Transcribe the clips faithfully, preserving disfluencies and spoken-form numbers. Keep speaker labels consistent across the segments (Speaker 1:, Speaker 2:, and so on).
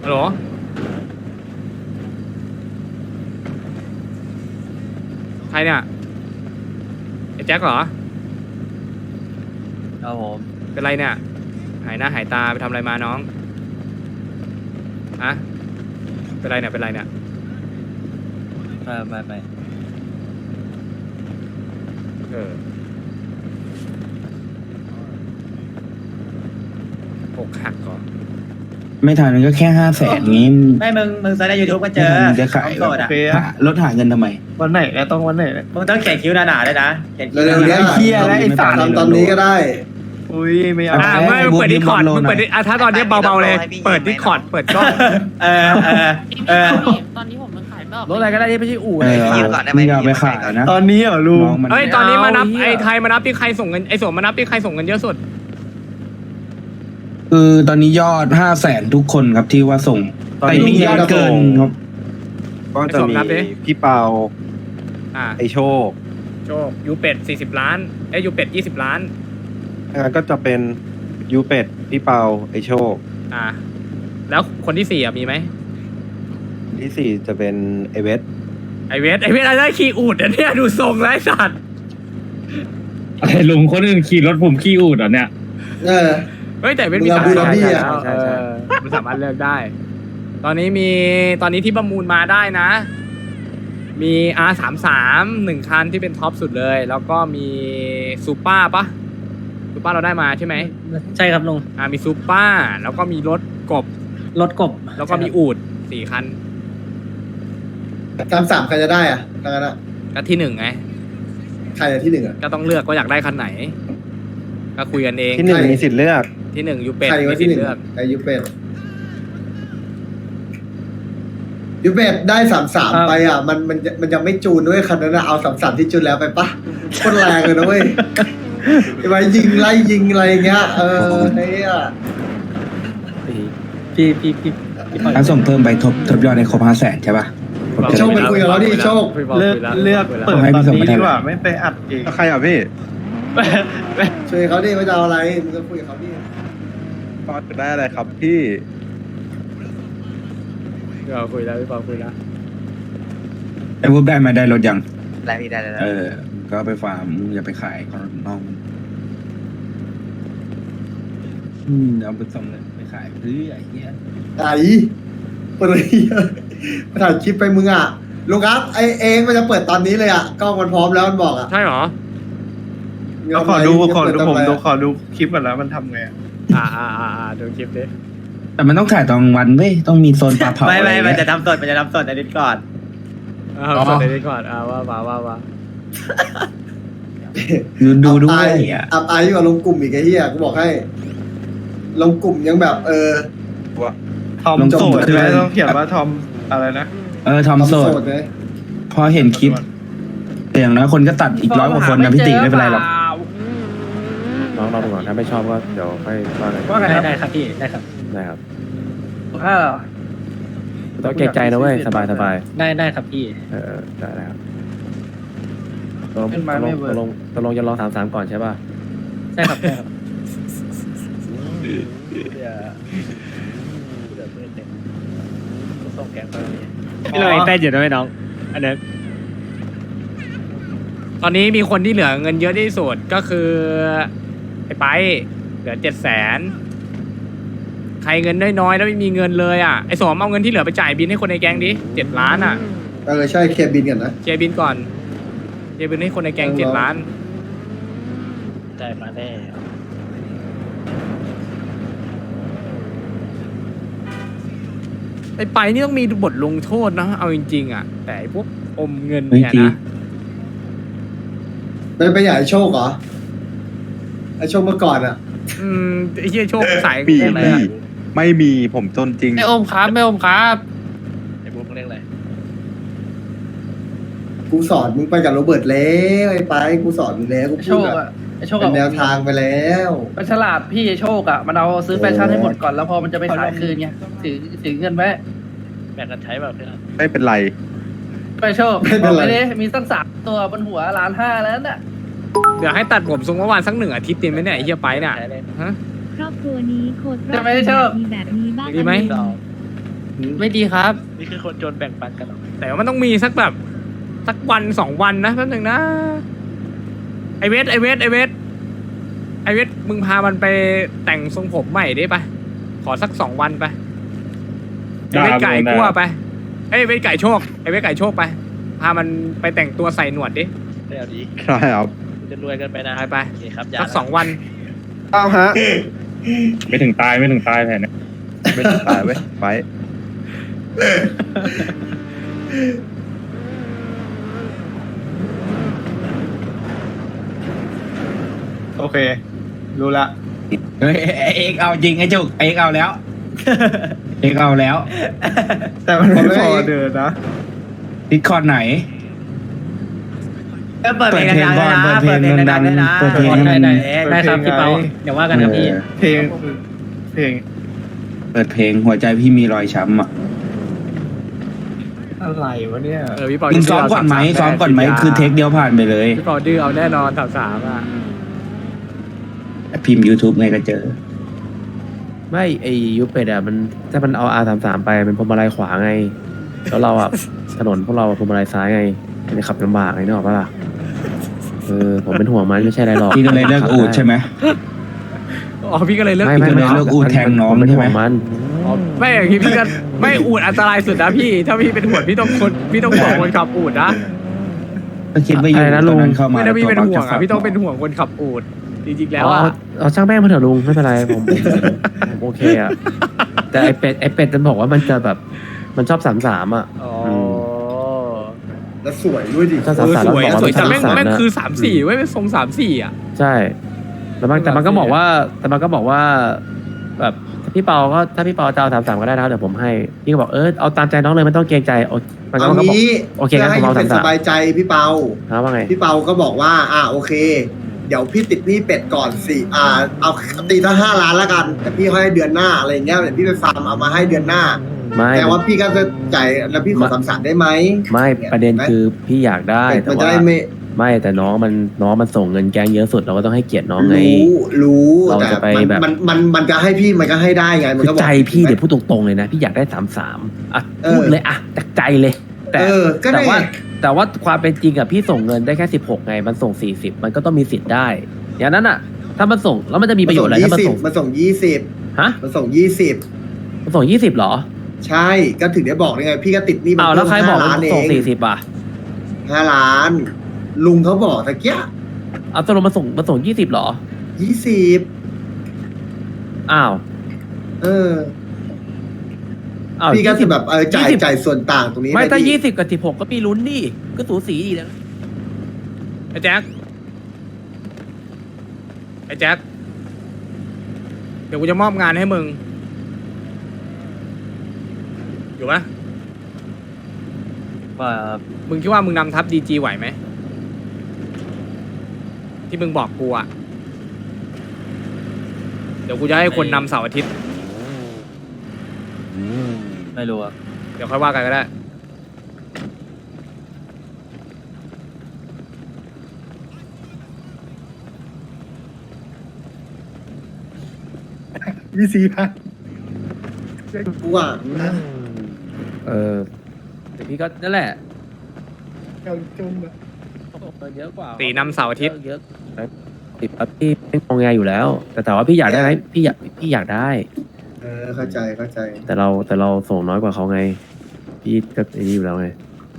Speaker 1: ฮัลโหลใครเนี่ยไอ้แจ็คเหรอ
Speaker 2: ครับผม
Speaker 1: เป็นไรเนี่ยหายหน้าหายตาไปทำอะไรมาน้องฮะเป็นไรเนี่ยเป็นไรเนี่ย
Speaker 2: ไปไปไป
Speaker 1: เอออกหักก่อน
Speaker 3: ไม่ทันก็แค่ห้าแสนงี้
Speaker 4: ไม่มึงมึงเซิร์ชในยูทูบก็เจอ
Speaker 3: ไม่ทันจะขาย
Speaker 4: โสดอ่ะ
Speaker 3: หารถหาเงินทำไม
Speaker 2: วันไหนเนี่ยต้องวันไหนเนี่ย
Speaker 4: มึงต้องเขียนคิ้วหนาๆด้วยนะเขียนคิ้ว
Speaker 5: เร็วๆ
Speaker 4: ห
Speaker 5: เนี้
Speaker 4: นาย
Speaker 3: เหี้ยแล้วไอ้สัตว์
Speaker 5: ทำตอนนี้ก็ได้
Speaker 2: อุ้ยไม่เอา
Speaker 1: อ่าไม่เปิดดิคอร์ดมึงเปิดดิอ่ะถ้าตอนนี้เบาๆเลยเปิดดิคอร์ดเปิดกล้อง
Speaker 4: ๆเออเออเออ
Speaker 6: ตอนนี้ผมมันขายไม่ออก
Speaker 2: รถอะไรก็ได้ที่ไม่ใช่อู่
Speaker 3: เอ
Speaker 2: เลย
Speaker 3: อ
Speaker 7: คิวก่อนได้ไหม
Speaker 3: มึงอย่าไปขายนะ
Speaker 2: ตอนนี้เหรอลุง
Speaker 3: น้องมัน
Speaker 1: เอ้ยตอนนี้มานับ
Speaker 2: เอาเหี้ย
Speaker 1: ไอ้ไทยมานับที่ใครส่งเงินไอ้สมมานับที่ใครส่งเงินเยอะสุด
Speaker 3: คือตอนนี้ยอดห้าแสนทุกคนครับที่ว่าส่ง
Speaker 5: ตอน
Speaker 3: แต่
Speaker 5: นี้
Speaker 3: มียอดเกินครับ
Speaker 8: ก็จะมีพี่เปา
Speaker 1: อ่า
Speaker 8: ไอโชค
Speaker 1: โชคยูเป็ดสี่สิบล้านเอ้ยยูเป็ดยี่สิบล้าน
Speaker 8: งั้นก็จะเป็นยูเป็ดพี่เปาไอโชค
Speaker 1: อ่าแล้วคนที่สี่อ่ะมีไหม
Speaker 8: ที่สี่จะเป็นไอเวส
Speaker 1: ไอเวสไอเวสอะไรขี่อูดอ่ะเนี่ยดูทรงไร้สัตว์
Speaker 9: ไอ้ลุงคนอื่นขี่รถผมขี่อูดเหรอเนี่ย
Speaker 5: เออ
Speaker 1: เฮ้ยแต่เวสมี
Speaker 5: มึงเอาบูราบี้อะ
Speaker 1: ใช่ใช่มันสามารถเลือกได้ ตอนนี้มีตอนนี้ที่ประมูลมาได้นะ มี อาร์ สามสิบสาม หนึ่งคันที่เป็นท็อปสุดเลย แล้วก็มีซูเปอร์ปะซูเปอร์เราได้มาใช่ไหม
Speaker 2: ใช่ครับลุง
Speaker 1: อ่ามีซูเปอร์แล้วก็มีรถกบ
Speaker 2: รถกบ
Speaker 1: แล้วก็มีอูดสี่คัน
Speaker 5: สามสามใครจะได้อ่ะทางนั้นอ่ะ
Speaker 1: ก็ที่หนึ่งไง
Speaker 5: ใครจะที่หนึ่งอ่ะ
Speaker 1: ก็ต้องเลือกว่าอยากได้คันไหน ก็คุยกันเอง
Speaker 8: ที่หนึ่ง
Speaker 5: ใช่
Speaker 8: มีสิทธิ์เลือก
Speaker 1: ที่หนึ่งยูเป็ด
Speaker 5: ใคร
Speaker 1: มี
Speaker 5: ว่า
Speaker 1: สิ
Speaker 5: ที่
Speaker 1: ท
Speaker 5: หนึ่ง
Speaker 1: ธิ์เลือก
Speaker 5: ไอยูเป็ดยูเป็ดได้สามสามไปอ่ะ มันมันมันยังไม่จูนด้วยคันนั้นอะเอาสามสามที่จูนแล้วไปปะโคนแรงเลยนะเว้ยไปยิงไล่ยิงอะไรอย่างเงี้ยเออไอ้เนี่ย
Speaker 2: พี่พี่พี่พี่ปล่อย
Speaker 3: ถ้าส่งเพิ่มไปทบทบยอดในครบห้าแสนใช่ปะผมจะ
Speaker 5: โชคไปคุยกับเขาดิโชค
Speaker 2: เลือกเลือกเปิดตอนนี้ดีกว่าไม่ไปอัดเอง
Speaker 8: ใครอ่ะพี่
Speaker 5: ช่วยเขาดิไม่จะเอาอะไรมึงก็คุยกับเขาดิ
Speaker 8: ก็จะได้อะไรครับพี่
Speaker 1: เราคุยแล้วพี่ปอคุยแล้ว
Speaker 3: ไอ้วุบได้มาได้รถยัง
Speaker 7: ได้พี่ได้ได้ได้
Speaker 3: เออ ก็เอาไปฟาร์มมึงอย่าไปขายเขาน้องมันอืมเอาไปส่งเลยไปขายเฮ้ยไอ้เหี้ย
Speaker 5: ไอ้เปิดเลยมาถ่ายคลิปไปมึงอ่ะลุงครับไอเองมันจะเปิดตอนนี้เลยอ่ะกล้องมันพร้อมแล้วมันบอกอ่ะ
Speaker 1: ใช่เหรอ
Speaker 2: เราขอดูขอดูผมดู
Speaker 5: ข
Speaker 2: ขอดูคลิปก่อนแล้วมันทำไง
Speaker 1: อ่าอ่าอ่าอ่าดูคลิปดิ
Speaker 3: แต่มันต้องถ่ายตอนกลางวันเว้ยต้องมีโซนปลาเผา
Speaker 4: ไม่
Speaker 3: อะไร
Speaker 4: ไม่มัน
Speaker 3: เงี้ย
Speaker 4: จะทำสดมันจะทำสดในนิดก่อน
Speaker 1: อ่าสดเลยก่อนอ่าว่าว่าว่าว่า
Speaker 3: ดูดู
Speaker 5: อับ
Speaker 3: ด้ว
Speaker 5: อาย
Speaker 3: ยอ่ะ
Speaker 5: อับอายยิ่งกว่าลงกลุ่มอีกไอ้เหี้ยกูบอกให้ ลงกลุ่มยังแบบ เออ
Speaker 2: ทอมโสดใช่ไหมต้องเขียนว่าทอมอะไรนะ
Speaker 3: เออทอมโสด
Speaker 5: ไง
Speaker 3: พอเห็นคลิปแต่อย่างน้อยคนก็ตัดอีกร้อยกว่าคนนะพี่ติไม่เป็นไรหรอก
Speaker 8: น้องลองดูก่อนถ้าไม่ชอบก็เดี๋ยวค่อยว่ากัน
Speaker 2: ว่าไงได้ครับพี่ได้ครับ
Speaker 8: ได้ครับ
Speaker 2: ถ้า
Speaker 8: ต้องเกรงใจนะเว้ยสบายสบาย
Speaker 2: ได้ได้ครับพี่
Speaker 8: เออได้ได้ครับตกลง
Speaker 2: ขึ้น
Speaker 8: ต
Speaker 2: มาก
Speaker 8: ล
Speaker 2: ไม่
Speaker 8: ง
Speaker 2: เวิ
Speaker 8: ต
Speaker 2: ร์
Speaker 8: ก
Speaker 2: ก
Speaker 8: ลงตกลงจะรอสามสามก่อนใช่ป่ะ
Speaker 2: ใช่ครับใช่ครับ
Speaker 1: พี่เลยเต้นอยู่ด้วยน้องอันนี้ตอนนี้มีคนที่เหลือเงินเยอะที่สุดก็คือไอ้ไปเหลือเจ็ดแสนใครเงินน้อยๆแล้วไม่มีเงินเลยอ่ะไอ้สมเอาเงินที่เหลือไปจ่ายบินให้คนในแก๊งดิเจ็ดล้านอ่ะ
Speaker 5: เออ ใช่เคลียร์บินกันนะ
Speaker 1: เคลียร์บินก่อนเคลียร์บินให้คนในแก๊งเจ็ดล้าน
Speaker 2: ได้มาแน่
Speaker 1: ไอ้ไปนี่ต้องมีบทลงโทษนะเอาจริงๆอ่ะแต่ไอ้พวกอมเงิน
Speaker 3: เฮ้ย
Speaker 1: เนี่ย
Speaker 3: จริง
Speaker 1: นะ
Speaker 5: เป็นไปอย่างไอ้โชคเหรอ ไอ้โชคเมื่อก่อนอ่ะ
Speaker 1: อืมไอ้เหี้ยโชคสาย
Speaker 8: มี
Speaker 1: เงินเลย
Speaker 8: พี่
Speaker 1: อะ
Speaker 8: ไม่มีผมจนจริง
Speaker 6: ไม่อมครับไม่อมครับ
Speaker 2: ไอ้บุ๊กเรียกอะไร
Speaker 5: กูสอนมึงไปกับโรเบิร์ตแล้วไอ้ไปกูสอนมึงแล้วกู
Speaker 10: โช
Speaker 5: พูด
Speaker 10: ค
Speaker 5: แบบ
Speaker 10: อะไอโชค
Speaker 5: เป็
Speaker 10: อะ
Speaker 5: นแนวทางไปแล้ว
Speaker 10: มันฉลาดพี่ไอ้โชคอะมันเอาซื้อแฟชั่นให้หมดก่อนแล้วพอมันจะไปขายคืนไงถือถือเงินไว้
Speaker 2: แบ่งกันใช้แบบนี้
Speaker 8: ไม่เป็นไร
Speaker 10: ไปโชคบอกไปดิมีตั้งสามตัวบนหัวล้านห้าแล้วน่ะ
Speaker 1: เดี๋ยวให้ตัดผมทรงเมื่อวานสักหนึ่งอาทิตย์ดีไหมเนี่ยไอ้เหี้ยไปเนี่ยฮะ
Speaker 11: ครอบครัวนี้โคตร
Speaker 10: จะไม่ได้โชค
Speaker 11: มีแบบนี้บ้าง
Speaker 1: ดีไหม
Speaker 11: หรือเปล่า
Speaker 6: ไม่ดีครับ
Speaker 2: นี่คือคนจนแบ่งปันกันหรอ
Speaker 1: แต่ว่ามันต้องมีสักแบบสักวันสองวันนะแป๊บนึงนะไอเวทไอเวทไอเวทไอเวทมึงพามันไปแต่งทรงผมใหม่ได้ปะขอสักสองวันไปไอเวทไก่กลัวไปไอเวทไก่โชคไอเวทไก่โชคไปพามันไปแต่งตัวใส่หนวดดิ
Speaker 2: เดี๋ยวดี
Speaker 8: ใช่ครับ
Speaker 2: จะรวยกันไปนะ
Speaker 1: ไปไป
Speaker 2: โอเคครับ
Speaker 1: สักสองวัน
Speaker 8: อ้าวฮะ
Speaker 9: ไม่ถึงตายไม่ถึงตายแผนนะ
Speaker 8: ไม่ตายเว้ยไป
Speaker 2: โอเค รู้ละ
Speaker 3: เฮ้ยเอ็กเอาจริงไอ้จุกเอ็กเอาแล้ว เอ็กเอาแล้ว
Speaker 2: แต่มันไม่พอเดินนะ
Speaker 3: ดิสคอร์ดไหน
Speaker 4: ก็เปิดเพลงดังๆด้วยนะ
Speaker 3: เปิ
Speaker 4: เปิ
Speaker 3: ด
Speaker 4: ด
Speaker 3: เพ
Speaker 4: เพ
Speaker 3: ล
Speaker 4: ล
Speaker 3: ง
Speaker 4: ง
Speaker 3: ดั
Speaker 4: ดั
Speaker 3: ง
Speaker 4: ง
Speaker 3: ๆ
Speaker 4: ๆด้วยนะ
Speaker 3: เปิดเพลง
Speaker 6: ได้ได้
Speaker 4: เอ๊ะ
Speaker 6: ได้ครับพี่เปาเดี๋ยวว่ากันครับพี่
Speaker 2: เพลงเพลง
Speaker 3: เปิดเพลงหัวใจพี่มีรอยช้ำอ่ะ
Speaker 2: อะไรวะเนี่ย
Speaker 1: เออพี่ปอ
Speaker 3: มึงซ้อมก่อนไหมซ้อมก่อนไหมคือเทคเดียวผ่านไปเลย
Speaker 1: พี่ปอดื้อเอาแน่นอนสามสามอ่ะ
Speaker 3: พิมพ์ YouTube ไงก็เจอ
Speaker 7: ไม่ไอยูเป็ดอะมันถ้ามันเอาอาสามสามไปเป็นพวงมาลัยขวาไง แล้วเราอะ ถนนพวกเราอะพวงมาลัยซ้ายไงมันจะขับลำบากไงนึกออกปะล่ะเออผมเป็นห่วงมันไม่ใช่อะไรหรอก
Speaker 3: พี่ก็เลยเลิกอูดใช่ไหม
Speaker 1: อ๋อพี่ก็เลยเลิก
Speaker 7: ไม่
Speaker 3: พี่
Speaker 7: ไม่
Speaker 3: ก็เลย
Speaker 7: ไม่
Speaker 3: เลิกอูดแทงน้อง
Speaker 7: ผมเป็น
Speaker 3: ใช่
Speaker 7: ห่
Speaker 3: ไห
Speaker 7: ว
Speaker 3: ม
Speaker 7: งมัน
Speaker 1: อ๋อไม่อย่างนี้พี่ก็ไม่อูดอันตรายสุดนะพี่ ถ้าพี่เป็นห่วงพี่ต้องคนพี่ต้องห่วงคนขับอูดนะ
Speaker 3: ก็คิดว่าอยู่
Speaker 7: อะไรนะ
Speaker 3: ต
Speaker 7: ลุ
Speaker 3: อน
Speaker 7: ง
Speaker 3: นั้นเข้ามา
Speaker 1: ไม่ถ้าพี่เป็นห่วง
Speaker 3: ตั
Speaker 1: อ่ะ
Speaker 3: ว
Speaker 1: พี่ต้องเป็นห่วงคนขับอูดจริงๆแล้ว
Speaker 7: เอา
Speaker 1: อ่ะ
Speaker 7: เอาช่างแม่งมาเถอะลุงไม่เป็นไรผมผมผมโอเคอะแต่ไอเป็ดไอเป็ดมันบอกว่ามันจะแบบมันชอบสามสามอะ
Speaker 1: อ๋อ
Speaker 5: แล้วสวยด้วยดิ
Speaker 7: ถ้า
Speaker 1: เอ
Speaker 7: สาม
Speaker 1: อ
Speaker 7: สาม
Speaker 1: สวย
Speaker 7: บอกว่า
Speaker 1: สวยแต่แม่ง
Speaker 7: สาม
Speaker 1: แม่ง
Speaker 7: นะ
Speaker 1: คือสามสี่เว้ยเป็นทรงสามสี่อ่ะ
Speaker 7: ใช่แต่มันแต่มันก็บอกว่า แต่มันก็บอกว่า แบบพี่เปาก็ถ้าพี่เปาจะเอาสามสามก็ได้นะเดี๋ยวผมให้พี่ก็บอกเออเอาตามใจน้องเลยไม่ต้องเกรงใจโอมันก็
Speaker 5: เอา
Speaker 7: มันก็บอก
Speaker 5: งี้
Speaker 7: โอเค
Speaker 5: เพื่อ
Speaker 7: งั้น
Speaker 5: ให้
Speaker 7: ผม
Speaker 5: ยู
Speaker 7: เอา
Speaker 5: เป็ด
Speaker 7: สาม
Speaker 5: ส
Speaker 7: สาม
Speaker 5: บายใจพี่เปา
Speaker 7: นะว่าไง
Speaker 5: พี่เปาก็บอกว่า อ่าโอเค เดี๋ยวพี่ติดหนี้เป็ดก่อนสิอ่า เอาตีถ้าห้าล้านละกัน แต่พี่ให้เดือนหน้าอะไรอย่างเงี้ยเดี๋ยวพี่ไปฟาร์มเอามาให้เดือนหน้า
Speaker 7: ไม่
Speaker 5: แต่ว่าพี่ก็จะจ่ายแล้วพี่ขอสามสามได้ไหม
Speaker 7: ไม่ประเด็นคือพี่อยากได้
Speaker 5: เป็ด
Speaker 7: แต่
Speaker 5: มันจะ
Speaker 7: ว่า
Speaker 5: ได้ไม่
Speaker 7: ไม่แต่น้องมันน้องมันส่งเงินแกงเยอะสุดเราก็ต้องให้เกียรติน้องไง
Speaker 5: รู้รู้
Speaker 7: เรา
Speaker 5: แต่
Speaker 7: จะไป
Speaker 5: มัน
Speaker 7: แบบ
Speaker 5: มันมันมันจะให้พี่มันก็ให้ได้ไงมัน
Speaker 7: คือ
Speaker 5: ก็บอก
Speaker 7: ใจพี่
Speaker 5: ถูกไหม
Speaker 7: เดี๋ยวพูดตรงๆเลยนะพี่อยากได้สามสามอ่ะ
Speaker 5: เออ
Speaker 7: พูดเลยอ่ะจากใจเลย แต่
Speaker 5: เออก็ได้
Speaker 7: แต่ว่าแต่ว่าความเป็นจริงอะพี่ส่งเงินได้แค่สิบหกไงมันส่งสี่สิบมันก็ต้องมีสิทธิ์ได้อย่างนั้นอะถ้ามันส่งแล้วมันจะมีประโยชน์อะไรถ้ามันส่ง
Speaker 5: มันส่งยี่สิบ
Speaker 7: ฮะ
Speaker 5: มันส่งยี่สิบ
Speaker 7: มันส่งยี่สิบเหรอ
Speaker 5: ใช่ก็ถึงได้บอกได้ไง พี่ก็ติดหนี้มัน
Speaker 7: อ้าวแล้วใครบอก
Speaker 5: ห้า
Speaker 7: ว่า
Speaker 5: ล้าน
Speaker 7: มัน
Speaker 5: เอ
Speaker 7: ส่ง
Speaker 5: ง
Speaker 7: สี่สิบอ่ะ
Speaker 5: ห้าล้าน ลุงเขาบอกตะเกีย
Speaker 7: เอาตกลงมาส่งมาส่งยี่สิบเหรอ
Speaker 5: ยี่สิบ
Speaker 7: อ้าว
Speaker 5: เออ
Speaker 7: อ้าว
Speaker 5: พี่ก็คือ
Speaker 7: ยี่สิ
Speaker 5: แบบเออจ่าย
Speaker 7: ยี่สิบ
Speaker 5: จ่ายส่วนต่างตรงนี้
Speaker 7: ไม่ถ้า
Speaker 5: ด้
Speaker 7: ยี่สิบกับสิบหกก็มีลุ้นดิก็สูสีดีนะ
Speaker 1: ไอ้แจ็คไอ้แจ็คเดี๋ยวกูจะมอบงานให้มึงอยู่ปะ
Speaker 6: ว่า
Speaker 1: มึงคิดว่ามึงนำทัพดีจีไหวไหมที่มึงบอกกูอะเดี๋ยวกูจะให้คนนำเสาร์อาทิตย์
Speaker 6: ไม่รู้อะ
Speaker 1: เดี๋ยวค่อยว่ากันก็ได้
Speaker 2: วีซีพัน
Speaker 5: กูว่า
Speaker 7: เออแต่พี่ก็นั่นแหละ
Speaker 2: เอาจุ่มอะ
Speaker 7: เยอะกว่า
Speaker 1: ตีนำเสาร์อาทิตย์
Speaker 7: เยอะติดปั๊บพี่เป็นงงแงอยู่แล้ว แต่แต่ว่าพี่อยากได้ไหมพี่อยากพี่อยากได้
Speaker 5: เออเข้าใจเข้าใจ
Speaker 7: แต่เราแต่เราส่งน้อยกว่าเขาไง พี่ก็ไอ้นี่อยู่แล้วไง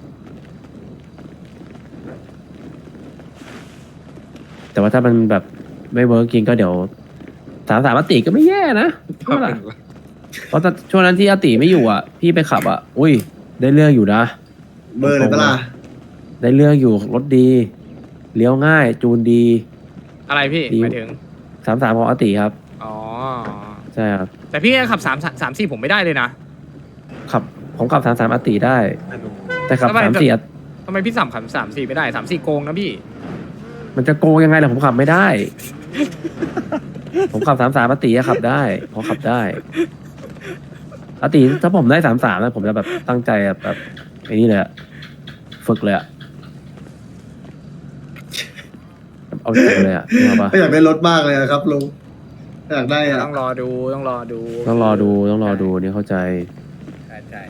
Speaker 7: แต่ว่าถ้ามันแบบไม่เวิร์กจริงก็เดี๋ยวสามสามอติก็ไม่แย่นะเพราะอะไรเพราะตอนช่วงนั้นที่อติไม่อยู่อ่ะ พี่ไปขับอ่ะ อุ้ย ได้เรื่องอยู่นะ
Speaker 5: เบอร์เลยปะล่ะ
Speaker 7: ได้เรื่องอยู่รถดีเลี้ยวง่าย จูนดี
Speaker 1: อะไรพี่
Speaker 7: ดี
Speaker 1: หมายถึง
Speaker 7: สามสามของอติครับ
Speaker 1: อ๋อ
Speaker 7: ใช่ครับ
Speaker 1: แต่พี่แค่ขับสามสามสี่ผมไม่ได้เลยนะ
Speaker 7: ขับผมขับสามสามอติได้ แต่ขับ
Speaker 1: ทำไม
Speaker 7: สามสี่
Speaker 1: ทำไมพี่สัมขับสามสี่ไม่ได้สามสี่โกงนะพี่
Speaker 7: มันจะโกงยังไงล่ะผมขับไม่ได้ ผมขับสามสามอติอะขับได้ผมขับได้อติถ้าผมได้สามสามแล้วผมจะแบบตั้งใจแบบแบบไอ้นี่เลยอะฝึกเลยอะเอาจริงเลยอะนึกออกปะ
Speaker 5: ไม่อยากได้รถมากเลยอะครับลุงอยากได้อะ
Speaker 1: ต้องรอดูต้องรอดู
Speaker 7: ต้องรอดูต้องรอดูนี่เข้าใจ
Speaker 1: ใช่ใช่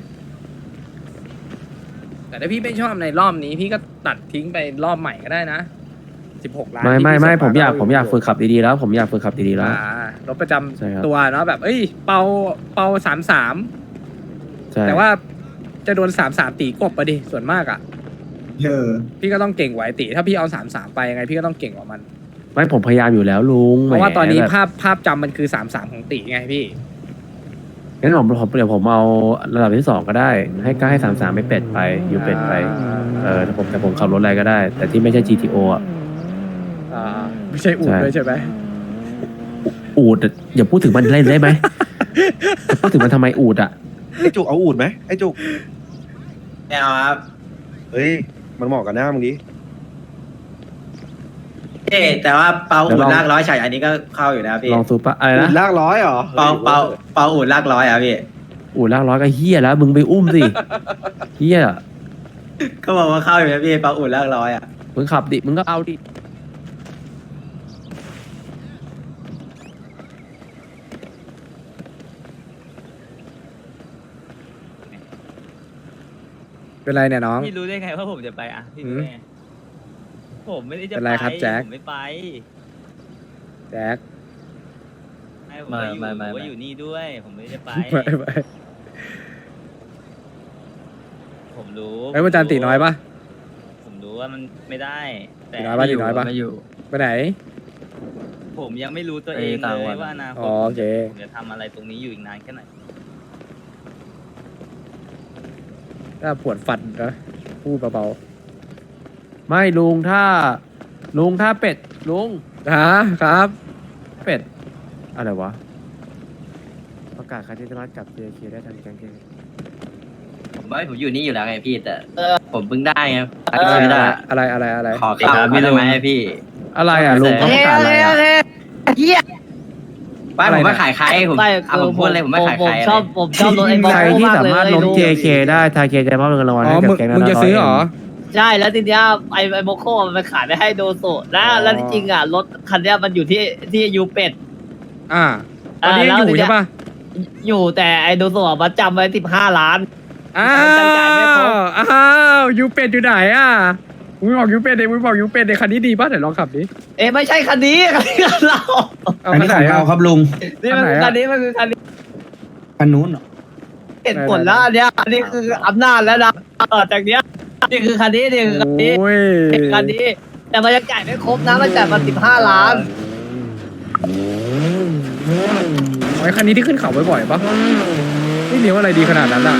Speaker 1: แต่ถ้าพี่ไม่ชอบในรอบนี้พี่ก็ตัดทิ้งไปรอบใหม่ก็ได้นะสิบหกล้าน
Speaker 7: ไม่
Speaker 1: ที่
Speaker 7: ไม่
Speaker 1: พี่
Speaker 7: ไม่
Speaker 1: ส่ง
Speaker 7: ผมอยาก
Speaker 1: ก็
Speaker 7: ผมอยากฝึกขับดีๆแล้ว ผมอยากฝึกขับดีๆแล้ว
Speaker 1: อ่ารถประจำ
Speaker 7: ใช่ครับ
Speaker 1: ตัวเนาะแบบ เอ้ย เปาเปาสามสาม
Speaker 7: ใช่
Speaker 1: แต่ว่าจะโดนสามสามตีกบไปดิส่วนมากอ่ะ
Speaker 5: เออ
Speaker 1: พี่ก็ต้องเก่งกว่าไอตีถ้าพี่เอาสามสามไปยังไงพี่ก็ต้องเก่งกว่ามัน
Speaker 7: ไม่ผมพยายามอยู่แล้วลุง
Speaker 1: เพราะว่าตอนนี้
Speaker 7: แหมแบบ
Speaker 1: ภาพภาพจำมันคือสามสามของตีไงพี่
Speaker 7: งั้นผมผมเดี๋ยวผมเอาระดับที่สองก็ได้ ให้ก็ให้สามสามไปเป็ดไปอยู่เป็ดไป เออแต่ผมแต่ผมขับรถอะไรก็ได้ แต่ที่ไม่ใช่ จี ที โอ อ่ะ
Speaker 1: อ่าไม่ใช่อูด
Speaker 7: ใช่
Speaker 1: ด้วยใช่ไหม
Speaker 7: อูดอะอย่าพูดถึงมันเล่นได้ไหม จะพูดถึงมันทำไมอูดอ่ะ
Speaker 8: ไอ้จุกเอาอูดไหมไอ้จุก
Speaker 4: ไม่เอาครับ
Speaker 8: เฮ้ยมันเหมาะกับหน้ามึงดิ
Speaker 4: เอ๊ะแต่ว่าเปา
Speaker 7: เดี๋
Speaker 4: อู
Speaker 7: ยว
Speaker 4: ด
Speaker 7: ลอง
Speaker 4: ลากร้อยฉายอันนี้ก็เข้าอยู่นะพี่
Speaker 7: ลองซูปะอะไร
Speaker 8: อู
Speaker 7: นะ
Speaker 8: ดลากร้อยเหรอ
Speaker 4: เปาเปาเปาอูดลากร้อยอ่ะพี่
Speaker 7: อูดลากร้อยก็เฮี้ยแล้ว มึงไปอุ้มสิ เฮี้ย
Speaker 4: ก็บอกว่าเข้าอยู่นะพี่เปาอูดลากร้อยอ่ะ
Speaker 7: มึงขับดิ มึงก็เอาดิ
Speaker 1: เป็นไรเนี่ยน้อง
Speaker 6: พี่รู้ได้ไงว่าผมจะไปอ่ะพี่รู้ได้ไงผมไม่ได้จะ
Speaker 1: เป็นไรครับแจ็ค
Speaker 6: ผมไม่ไป
Speaker 1: แจ็ค
Speaker 6: ให้ผมว่าอยู่
Speaker 10: ไม่ไม่ไม่
Speaker 6: ว่าอยู่นี่ด้วย ผมไม่ได้จะไป
Speaker 1: ไปไป
Speaker 6: ผมรู้
Speaker 1: ไอ้ยวันจันทร์ตีน้อยปะ
Speaker 6: ผมรู้ว่ามันไม่ได้ แต่
Speaker 1: ตีน้อยปะตีน้อยปะ
Speaker 10: ไม่อยู่
Speaker 1: ไปไหน
Speaker 6: ผมยังไม่รู้ตัวเอง
Speaker 10: ไปต่าง
Speaker 6: เล
Speaker 10: วั
Speaker 6: ย
Speaker 10: น
Speaker 6: ว่าอนาค
Speaker 1: อ๋
Speaker 6: ต
Speaker 1: อโอเค
Speaker 6: ผมจะทำอะไรตรงนี้อยู่อีกนานแค่ไหน
Speaker 1: ถ้าปวดฟันนะพูดเบา
Speaker 7: ไม่ลุงถ้า ลุงถ้าเป็ด ลุง
Speaker 1: ๆฮะครับ
Speaker 7: เป็ด อะไรวะ ประกาศใครที่สามารถกลับ เจ เค ได้ทางแก๊งเก
Speaker 10: ผมว่าผมอยู่นี่อยู่แล้วไงพี่แต่ผมเพิ่งได้ไง
Speaker 1: อะไร
Speaker 10: ไม่ได้
Speaker 1: อะไรอะไรอะไร
Speaker 10: ขอข่าวไม่ได้ไหมพี่
Speaker 7: อะไรอ่ะลุงเขาประกาศอะไรอ่ะ
Speaker 10: ไม่ผมไม่ขายใครผมเอาผมพูดเลยผมไม่ขายใคร
Speaker 11: ชอบผมชอบรถไอ้บอล
Speaker 7: ใครที่สามารถล้ม เจ เค ได้ทางเคจะมอบเงินรางวัล
Speaker 1: อ๋อ
Speaker 7: ให้กับ
Speaker 1: มึง
Speaker 7: แก๊ง
Speaker 1: มึงจะซื้อเหรอ
Speaker 11: ใช่แล้วทีเนี้ยไอ้ไอ้โมโคมันไปขายไม่ให้โดโซแล้วแล้วที่จริงอ่ะรถคันเนี้ยมันอยู่ที่ที่ยูเป็ด
Speaker 1: อ่าตอนนี้ยังอยู่ใช่ปะ
Speaker 11: อยู่แต่ไอ้โดโซอะมันจำไว้สิบห้าล้าน
Speaker 1: อ้า
Speaker 11: จำจ่ายไม่ครบ
Speaker 1: วอ้าวยูเป็ดอยู่ไหนอ่ะมึงบอกยูเป็ดเดี๋ยวมึงบอกยูเป็ดในคันนี้ดีป่ะเดี๋ยวลองขับดิ
Speaker 11: เอ้ไม่ใช่คันนี้คันนี้คันเรา
Speaker 1: เอา
Speaker 3: อัน
Speaker 1: คัน
Speaker 3: นี้
Speaker 1: ไห
Speaker 3: ข
Speaker 1: น
Speaker 3: อง
Speaker 1: อ่ะ
Speaker 3: เราครับลุง
Speaker 11: นี่มัน
Speaker 1: คันไหนอะ
Speaker 11: คันนี้มันคือคันนี้
Speaker 3: คันนู้นเหรอ
Speaker 11: เห็นผลแล้วอันเนี้ยอันนี้คืออำนาจแล้วนะต่อจากเนี้ยนี่คือคันนี้นี่คือคันนี้
Speaker 1: โอ้ย
Speaker 11: คันนี้ แต่มันยังจ่ายไม่ครบนะมันจ่ายมาสิบห้าล้าน
Speaker 1: ไอ้คันนี้ที่ขึ้นเขาบ่อยๆปะไม่เลี้ยวอะไรดีขนาดนั้นอ่ะ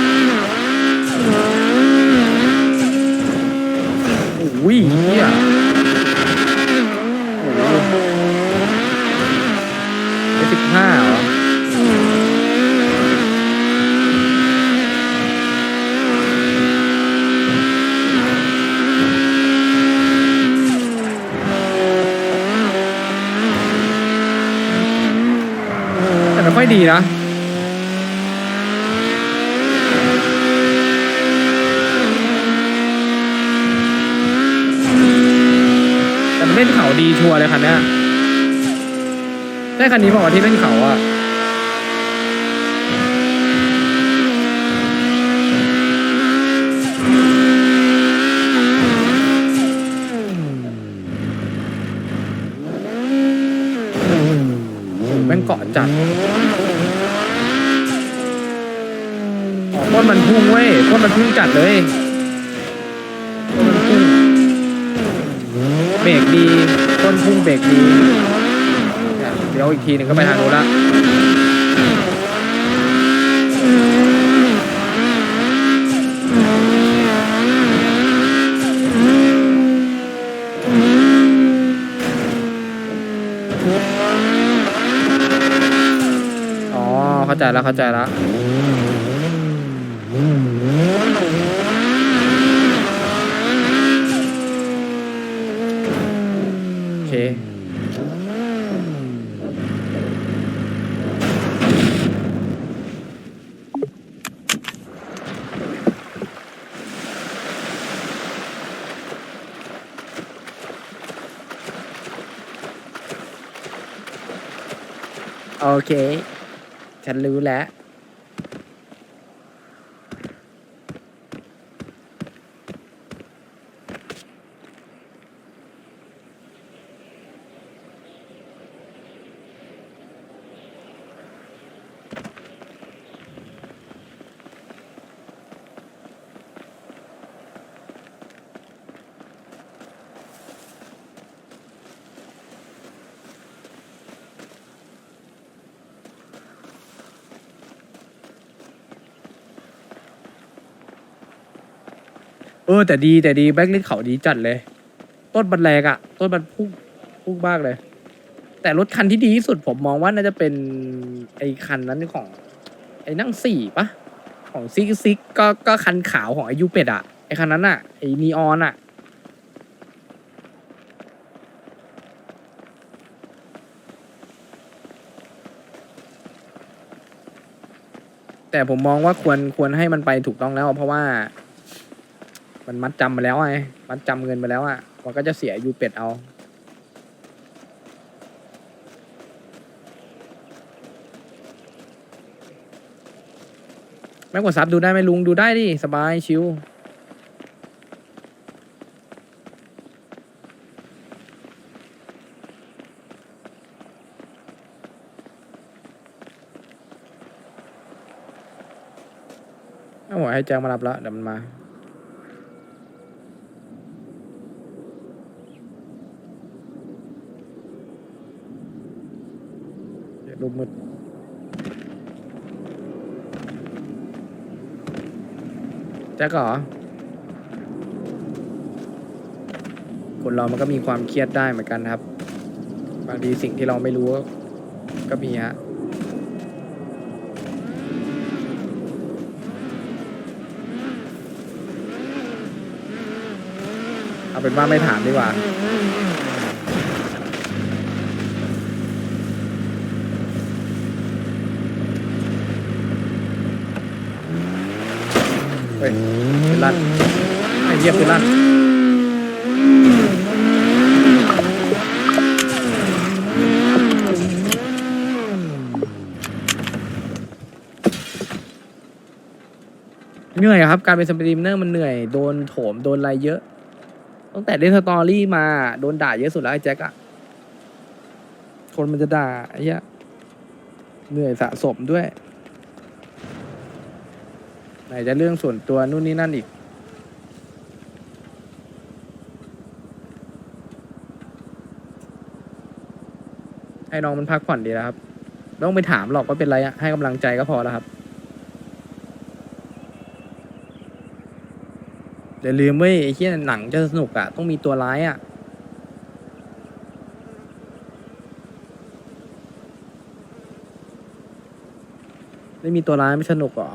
Speaker 1: โอ้ยเฮียสิบห้าเหรอแต่ไม่ค่อยดีนะ แต่มันเล่นเขาดีชัวร์เลยคันเนี้ยได้คันนี้บอกว่าที่เล่นเขาอ่ะแม่งเกาะจัดอ๋อต้นมันพุ่งเว้ยต้นมันพุ่งจัดเลยต้นมันพุ่งเบรกดีต้นพุ่งเบรกดีเนี่ยเดี๋ยวอีกทีหนึ่งก็ไปทางโน้นละอ๋อเข้าใจแล้วเข้าใจแล้วโอเคโอเค ฉันรู้แล้วเออแต่ดีแต่ดีแบ็คลิสเขาดีจัดเลย ต้นบันแรงอะต้นบันพุ่งพุ่งมากเลย แต่รถคันที่ดีที่สุดผมมองว่าน่าจะเป็นไอ้คันนั้นของ ไอ้นั่งสี่ปะของซิกซิกก็ก็คันขาวของไอายุเป็ดอะไอ้คันนั้นอะไอ้นีออนอะแต่ผมมองว่าควรควรให้มันไปถูกต้องแล้ว เพราะว่า มันมัดจำมาแล้วไงมัดจำเงินมาแล้วอะมันก็จะเสียอายุเป็ดเอาแม่กดซับดูได้ไหมลุงดูได้ดิสบายชิวเอาหัวให้แจ้งมารับแล้วเดี๋ยวมันมาเดี๋ยวรูปมืดแจ็คเหรอคนเรามันก็มีความเครียดได้เหมือนกันครับบางทีสิ่งที่เราไม่รู้ก็มีฮะเอาเป็นว่าไม่ถามดีกว่าเฮ้ยเป็นลั่นไอ้เหี้ยเป็นลั่นเหนื่อยอะครับการเป็นสตรีมเมอร์มันเหนื่อยโดนโถมโดนอะไรเยอะตั้งแต่เล่นสตอรี่มาโดนด่าเยอะสุดแล้วไอ้แจ็คอะคนมันจะด่าไอ้เหี้ยเหนื่อยสะสมด้วยไหนจะเรื่องส่วนตัวนู่นนี่นั่นอีกให้น้องมันพักผ่อนดีแล้วครับไม่ต้องไปถามหรอกว่าเป็นไรอะให้กำลังใจก็พอแล้วครับอย่าลืมเว้ยไอ้ที่หนังจะสนุกอะต้องมีตัวร้ายอะไม่มีตัวร้ายไม่สนุกหรอ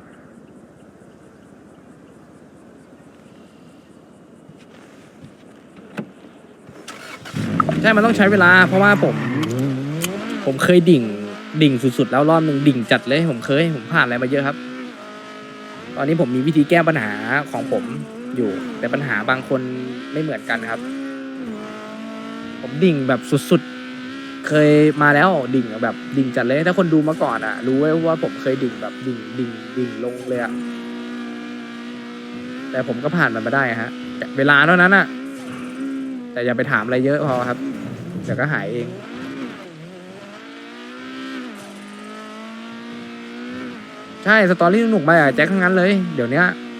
Speaker 1: ใช่มันต้องใช้เวลาเพราะว่าผม ผมเคยดิ่งดิ่งสุดๆแล้วรอบหนึ่งดิ่งจัดเลยผมเคยผมผ่านอะไรมาเยอะครับตอนนี้ผมมีวิธีแก้ปัญหาของผมอยู่แต่ปัญหาบางคนไม่เหมือนกันครับผมดิ่งแบบสุดๆเคยมาแล้วดิ่งแบบดิ่งจัดเลยถ้าคนดูมาก่อนอ่ะรู้ไว้ว่าผมเคยดิ่งแบบดิ่งดิ่งดิ่งลงเลยอ่ะแต่ผมก็ผ่านมันมาได้ฮะเวลาเท่านั้นอ่ะแต่อย่าไปถามอะไรเยอะพอครับเดี๋ยวก็หายเองใช่สตอรี่สนุกไปอ่ะแจ็คทั้งนั้นเลยเดี๋ยวนี้